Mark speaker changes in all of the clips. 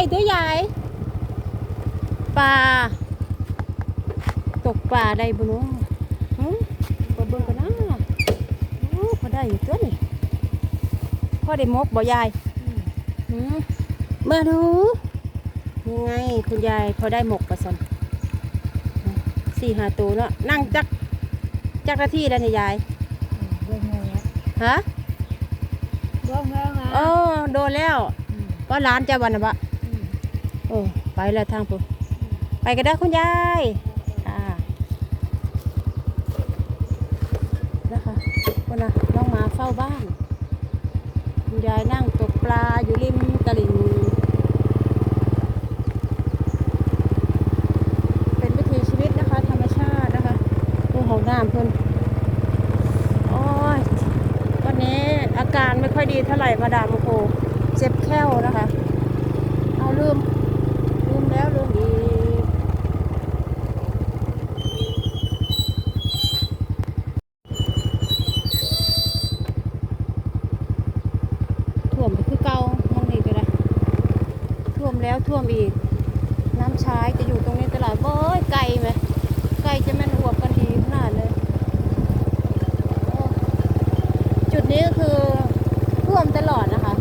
Speaker 1: ตัวใหญ่ปลาตกปลาได้บุญปลาเบิ่งกันนะพอได้อยู่ตัวนี่พอได้มกบ่ยายมาดูยังไงคุณยายพอได้หมกประสัน4-5 ตัวเนาะนั่งจักนาทีแล้วนี่ยายฮะโอ้โดนแล้วก็ร้านจะวันนะบะโอ้ไปแล้วทางปุ๊บไปกันได้คุณยายนะคะคนน่ะน้องหมาเฝ้าบ้านคุณยายนั่งตกปลาอยู่ริมตลิ่งเป็นวิถีชีวิตนะคะธรรมชาตินะคะดูห้องน้ำเพิ่นโอ้ยวันนี้อาการไม่ค่อยดีเท่าไหร่มาดามโคเจ็บแข้วนะคะเอาลืมแล้วลืมอีกท่วมไปคือเก่ามองนี่ก็ได้ท่วมแล้วท่วมอีกน้ำชายจะอยู่ตรงนี้ตลอดเบ้ยไกลไหมไกลจะแม่นอวบกันดีขนาดเลยจุดนี้ก็คือท่วมตลอดนะคะ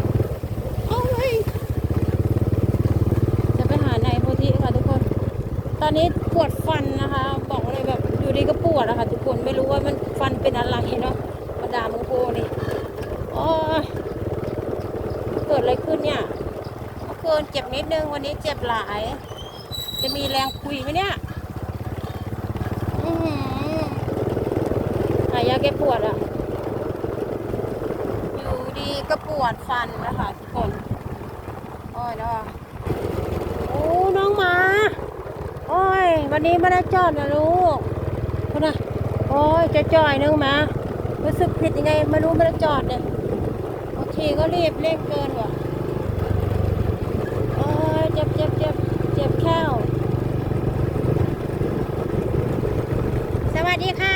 Speaker 1: จะไปหาในโพธิค่ะทุกคนตอนนี้ปวดฟันนะคะบอกเลยแบบอยู่ดีก็ปวดนะคะทุกคนไม่รู้ว่ามันฟันเป็นอะไรเนาะมาดามโมโกนี่โอ้ยเกิดอะไรขึ้นเนี่ยเมื่อคืนเจ็บนิดนึงวันนี้เจ็บหลายจะมีแรงคุยไหมเนี่ยหายาแก้ปวดอ่ะอยู่ดีก็ปวดฟันนะคะทุกคนโอ้ยเนาะโอ้น้องหมาโอ้ยวันนี้ไม่ได้จอดนะลูกคุณนะโอ้ยจะจ่อยนึงมารู้สึกผิดยังไงไม่รู้ไม่ได้จอดเนี่ยโอเคก็รีบเร่งเกินว่ะโอ้ยเจ็บแข้วสวัสดีค่ะ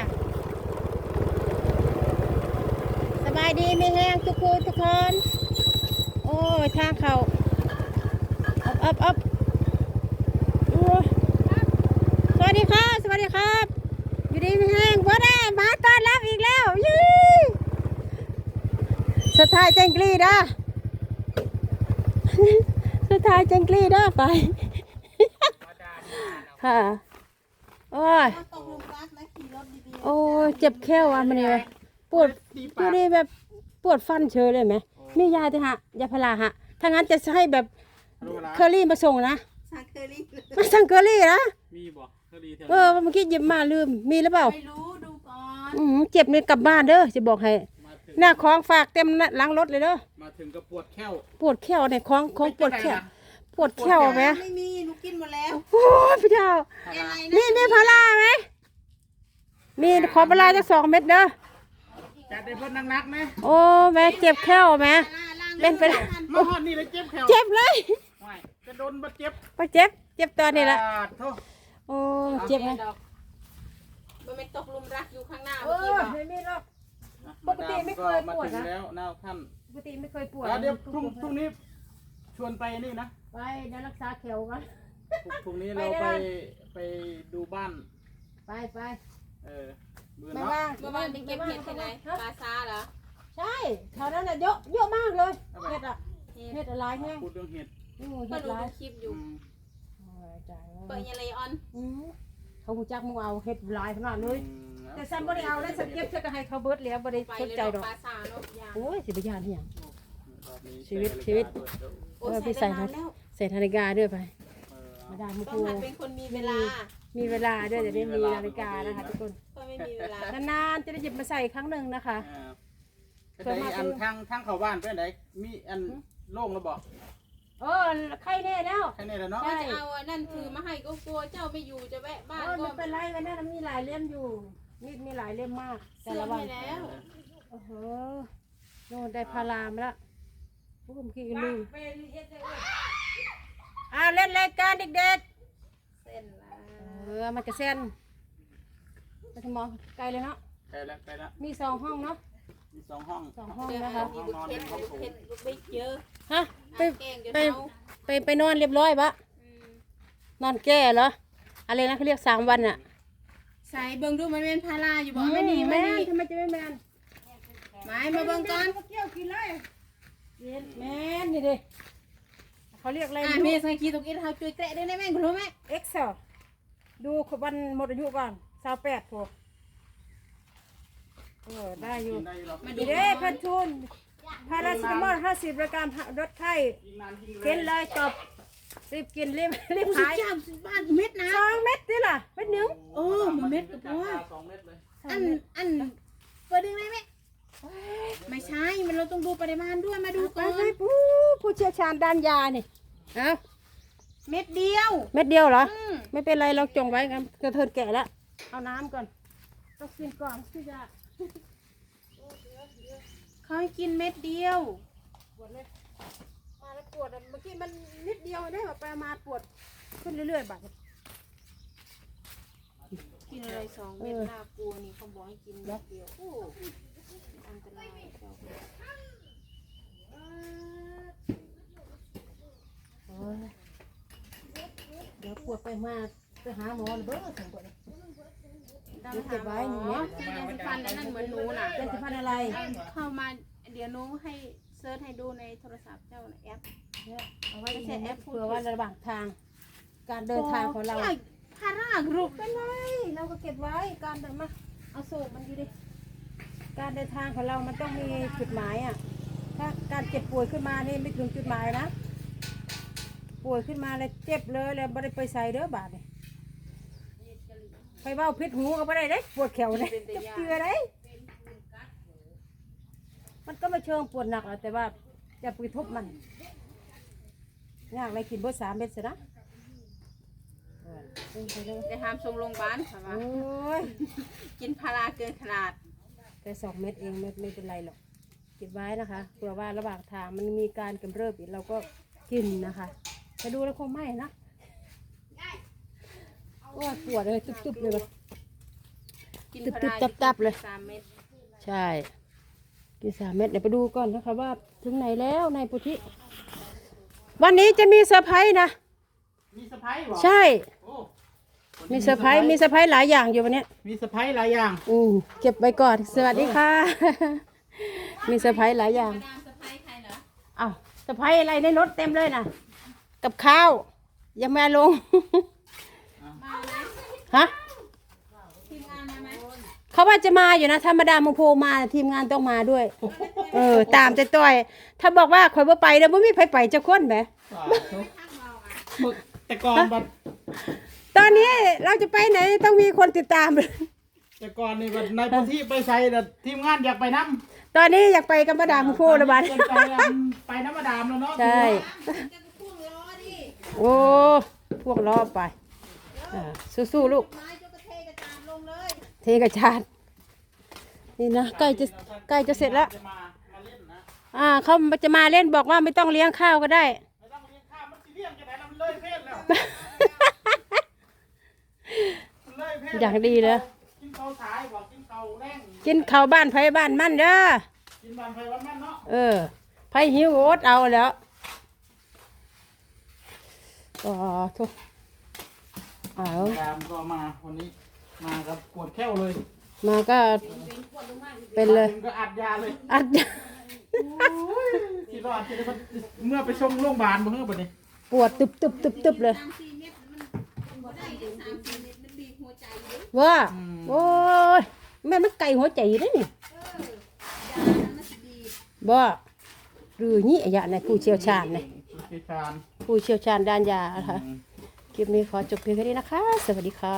Speaker 1: สบายดีไม่แห้งทุกคนโอ้ยทางเขาอัพสวัสดีครับอยู่ดีไม่แห้งบ่ได้มาต้อนรับอีกแล้วยี่สุดท้ายเจงกรีด้าสุดท้ายเจงกรีด้าไปค่ะโอ้ยโอ้ยเจ็บแข้วอ่ะมันเลยปวดดูดิแบบปวดฟันเชยเลยไหมนี่ยาเถอะฮะยาพาราฮะถ้างั้นจะให้แบบเคอรี่มาส่งนะสั่งเคอรี่นะ
Speaker 2: มีบ่เคอรี่
Speaker 1: เมื่อกี้หยิบมาลืมมีหรือเปล่า
Speaker 3: ไม่รู้ดูก่อน
Speaker 1: เจ็บเนี่ยกลับบ้านเด้อจะบอกให้หน้าคล้องฝากเต็มล้างรถเลยเด้อ
Speaker 2: มาถึงก็ปวดแข้ว
Speaker 1: เนี่ยคล้องปวดแข้วไหม
Speaker 3: ไม่มีหนูกินหมดแล้ว
Speaker 1: โอ้ยพี่เจ้ามีพาราไหมมีขอพาราจะ2 เม็ดเด้อ
Speaker 2: จัดได้เพิ่นนักไหม
Speaker 1: โอ้แม่เจ็บแข้วไหมเป็น
Speaker 2: มาฮอดนี่เลยเจ็บแข้ว
Speaker 1: เจ็บเลย
Speaker 2: จะโดนบ่เจ็บ
Speaker 1: ตอนนี้ละโอ้เจ็บไหม
Speaker 3: มันไม่ตกลุมรักอยู่ข้างหน้า
Speaker 1: ไม่มีหรอกปกติไม่เคยปวดนะ
Speaker 2: แล้วน้าท่าน
Speaker 1: ปกติไม่เคยปวด
Speaker 2: เดี๋ยวพรุ่งนี้ชวนไปนี่นะ
Speaker 1: ไปเดี๋ยวรักษาแขวกัน
Speaker 2: พรุ่งนี้เราไปดูบ้าน
Speaker 1: ไป
Speaker 3: เมื่อวานไปเก็บเห็ดที่ไหนปลาซาเหรอ
Speaker 1: ใช่แถวนั้นน่ะเยอะมากเลยเห็ดอะไรแห้ง
Speaker 2: พูดเรื่องเห็ด
Speaker 3: ก็ดูคลิปอยู่เปิดยังไงออน
Speaker 1: เขาหูจักมึงเอาเห็ดลายขนาดเลยแต่ฉันไม่ได้เอาแล้วฉันเก็บเพื่อให้เขาเบิดแล้วไม่ได้สนใจหรอกโอ้ยสิบยานที่ยังชีวิตพี่ใส่นาฬิกาด้วยไปมาได้มุกู
Speaker 3: เป็นคนมีเวลา
Speaker 1: ด้วยจะได้มีนาฬิกานะคะทุกคน
Speaker 3: ก็ไม่มีเวลาน
Speaker 1: านๆจะได้หยิบมาใส่ครั้งหนึ่งนะคะ
Speaker 2: เคยมาทางเข้าบ้านเป็นไหนมีอันโล่งแล้วบอก
Speaker 1: ใครแน่แล้ว
Speaker 2: เนาะ
Speaker 3: จะเอานั่นคือมาให้ก็กลัวเจ้าไม่อยู่จะแวะบ้านก็
Speaker 1: ไม่เป็นไรกันนะมีหลายเล่มอยู่มีหลายเล่มมากแต่ละวัน
Speaker 3: แล้ว
Speaker 1: โน่นได้พารามาแล้วผมคิดลืมเล่นรายการเด็ก
Speaker 3: ๆเส้น
Speaker 1: มันจะเส้นไปทมองไกลเลยเนาะ
Speaker 2: ไกลแล้ว
Speaker 1: มี2 ห้องเนาะ
Speaker 2: มี2 2 ห้อง
Speaker 1: 2 ห้อง
Speaker 3: เดี๋ยว
Speaker 1: นะ
Speaker 3: ให้
Speaker 1: คะ
Speaker 3: มีลูกเพชรลูกเพชรลูกบิ๊กเยอะ
Speaker 1: ฮะไป
Speaker 3: แกงจน
Speaker 1: ไป
Speaker 3: เอา
Speaker 1: ไปนอนเรียบร้อยปะ
Speaker 3: อืม
Speaker 1: นอนแก้เหรออะไรนะเขาเรียก3 วันอ่ะ
Speaker 3: ใส่เบิ่งดูมันเป็นพาราอยู่บ่ไม่ดีไม่
Speaker 1: แม่
Speaker 3: ดี
Speaker 1: ทำไมจะไม่แมน
Speaker 3: ไม่มาเบิ่งก่อน
Speaker 1: เกี่ยวกินเลยแมนนี่ดิเขาเรียกอะไร
Speaker 3: อ่ะเมย์ใส่ขี้ตกอินเฮาช่วยแกะได้ไหมคุณรู้ไหม
Speaker 1: เอ็กเซลดูวันหมดอายุก่อน28พอได้อยู่
Speaker 2: กินได้หรอก
Speaker 3: มาดู
Speaker 1: ดีเด้เพันทุนพาราซิตามอล50 รายการลดไข้
Speaker 2: ยิงนานยิง
Speaker 1: กินเลยจบรีบกินรีบ
Speaker 3: สิ
Speaker 1: หาย
Speaker 3: จ้าบ้านเม็ดนะ
Speaker 1: 2 เม็ดนี่ล่ะเม็ดหนึ่ง
Speaker 3: โอ้มันเม็ดกับ
Speaker 2: จาก
Speaker 3: ว่า
Speaker 2: 2 เม็ดเลย
Speaker 3: อันเปิดดึงได้ไหมไม่ใช่มันเราต้องดูปริมาณด้วยมาดู
Speaker 1: ไป
Speaker 3: ก่อน
Speaker 1: ไปผู้เชี่ยวชาญด้านยานี่เอา
Speaker 3: เม็ดเดียว
Speaker 1: เม็ดเดียวเหรอ
Speaker 3: อืม
Speaker 1: ไม่เป็นไรเราจงไว้กันกระเทินแก่แล้วเอาน้ำก่อนต้องกินก่อนที่จะ
Speaker 3: เขาให้กินเม็ดเดียว
Speaker 1: ปวดเลยมาแล้วปวดอะเมื่อกี้มันนิดเดียวได้แบบไปมาปวดขึ้นเรื่อยๆบัด
Speaker 3: กินอะไร2 เม็ดน่ากลัวนี่เขาบอกให้กินเม็ดเดียวโอ้อันตรายเจ้า
Speaker 1: โอ้ยเดี๋ยวปวดไปมาไปหาหมอเลยเบ้อสองปวดเลย
Speaker 3: ดำเก็บไว้หนูที่ยาสีฟันนั่นเหมือนหนูน่ะ
Speaker 1: เป็นสะพานอะไร
Speaker 3: เข้ามาเดี๋ยวหนูให้เซิร์ชให้ดูในโทรศัพท์เจ้าน่ะแอป
Speaker 1: เนี่ยเอาไว้ใช้แอปเผื่อว่าระหว่างทาง การเดินทางของเรา
Speaker 3: พารากรูป
Speaker 1: เป็นไรเราก็เก็บไว้การเดินมาเอาโศกมันอยู่ดิการเดินทางของเรามันต้องมีจุดหมายอ่ะถ้าการเจ็บป่วยขึ้นมานี่ไม่ถึงจุดหมายนะป่วยขึ้นมาแล้วเจ็บเลยแล้วไม่ได้ไปใส่เด้อบาดเนี่ยไปเบ้าพิษหูก็ไม่ได้เด้ปวดแขวเนี่ยจะเกลือได้มันก็ไม่เชิงปวดหนักหรอกแต่ว่าจะไปทุบมันยากอะไรกินเบอร์3 เม็ดสินะ
Speaker 3: จะทำส่งโรงพยาบาลค่ะว่า
Speaker 1: โอ้ย
Speaker 3: กินพาราเกินขนาด
Speaker 1: แต่2 เม็ดเองไม่เป็นไรหรอกเก็บไว้นะคะเผื่อว่าระหว่างทางมันมีการกำเริบอีกเราก็กินนะคะแต่ดูแล้วคงไม่นะโอ้ยปวดเลยตุบๆเลยว่ะ
Speaker 3: กินพารา
Speaker 1: ตับๆเลย
Speaker 3: 3 เม็ด
Speaker 1: ใช่กิน3 เม็ดเดี๋ยวไปดูก่อนนะคะว่าถึงไหนแล้วนายปุถิวันนี้จะมีเซอร์ไพรส์นะ
Speaker 2: มีสะพายบ่
Speaker 1: ใช่
Speaker 2: โอ้
Speaker 1: มีเซอร์ไพรส์หลายอย่างอยู่วันเนี้ย
Speaker 2: มีสะพายหลายอย่าง
Speaker 1: เก็บไว้ก่อนสวัสดีค่ะ มีเซอร์ไพรส์หลายอย่าง
Speaker 3: มาดามสะพ้ายใครเหรอ
Speaker 1: อ้าวเซอร์ไพรส์อะไรในรถเต็มเลยนะกับข้าวยังไม่เอาลง
Speaker 3: มาไหม
Speaker 1: ฮะ
Speaker 3: ทีมงานมาไหม
Speaker 1: เขาว่าจะมาอยู่นะธรรมดาโมโพมาทีมงานต้องมาด้วย ตามใจต้อยถ้าบอกว่าข่อยบ่ไปเดี๋ยวบ่มีใครไปจะคนแหม
Speaker 2: หมึกแต่ก่อนบัด
Speaker 1: ตอนนี้เราจะไปไหนต้องมีคนติดตาม
Speaker 2: แต่ก่อนนี่บัดในพื้นที่ไปใส่แต่ทีมงานอยากไปน้ำ
Speaker 1: ตอนนี้อยากไปกับมาดามโมโพละบัด
Speaker 2: ไปน้ำมาดามแล้วเนาะ
Speaker 1: ใช่โอ้พวกล้อไปสู้ๆลูก
Speaker 3: ไม้เจ้ากระเทกระจาดลงเลย
Speaker 1: เทกระชาดนี่นะใกล้จะเสร็จแล้ว
Speaker 2: จะมาเล่นนะ
Speaker 1: เขาจะมาเล่นบอกว่าไม่ต้องเลี้ยงข้าวก็ได้
Speaker 2: ไม่ต้องเลี้ยงข้าวมันสิเลี้ยงจะไหนมันเลยเพศแล้วมันเลยเพศ
Speaker 1: อย่างดีเลย
Speaker 2: กินข้าวสายบอกกินข้าวแรง
Speaker 1: กินข้าวบ้านไผบ้านมันเด้อ
Speaker 2: กินบานไฟวันนั้นเนาะ
Speaker 1: ไผหิวโอดเอาแล้วทุกเอา
Speaker 2: ดามก็มาวันนี้มากับปวดแข้วเลย
Speaker 1: มาก็เป็นเลย
Speaker 2: มาถึงก็อัดยาเลย
Speaker 1: อัด
Speaker 2: คิดว่าจะได้เมื่อไปส่งโรงพยาบาลบ่เฮ้อบัดนี้
Speaker 1: ปวดตึบเลย
Speaker 3: 3-4 เม็ดมันบ่ได้เดี๋ยว3-4 เม็ดมันบีบหัวใจอยู่
Speaker 1: ว่าโอ้ยแม่มันไก่หัวใจได้นี่
Speaker 3: ยานั้นมันสิบีบ
Speaker 1: บ่หรือนี่อะยะเนี่ยผู้เชี่ยวชาญเนี่ย
Speaker 2: พิชาน
Speaker 1: ผู้เชี่ยวชาญด้านยานะคะคลิปนี้ขอจบเพียงแค่นี้นะคะ สวัสดีค่ะ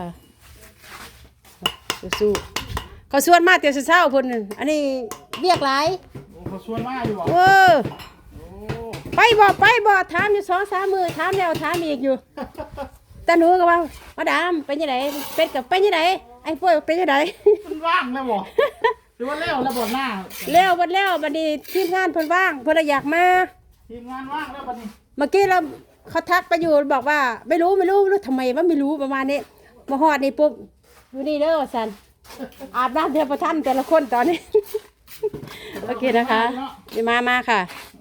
Speaker 1: สู้ๆเขาชวนมาเตียวเช้าๆพุ่นอันนี้เรียกหลาย
Speaker 2: โอ้เขาชวนมาอยู่บ่
Speaker 1: เออ
Speaker 2: โอ้
Speaker 1: ไปบ่ถามอยู่2-3 มื้อถามแล้วถามอีกอยู่ แต่หนูก็ว่ามาดามเป็นยังไงเป็ดกับเป็นยังไงไอ้ป่วยเป็นยังไง
Speaker 2: มันว่างแล้วบ่หรือว่าแล้วแล้วบ่หน้า
Speaker 1: แล้วบัดนี้ทีมงานเพิ่นว่างเพิ่นอยากมา
Speaker 2: ทีมงานว่างแล้วบัดนี้
Speaker 1: เมื่อกี้เราเขาทักไปอยู่บอกว่าไม่รู้ทำไมว่าไม่รู้ประมาณนี้มาฮอดนี่ปุ๊บอยู่นี่เด้อสันอาบน้ำเดียวประทันแต่ละคนตอนนี้โอเคนะคะเดี๋ยวมาค่ะ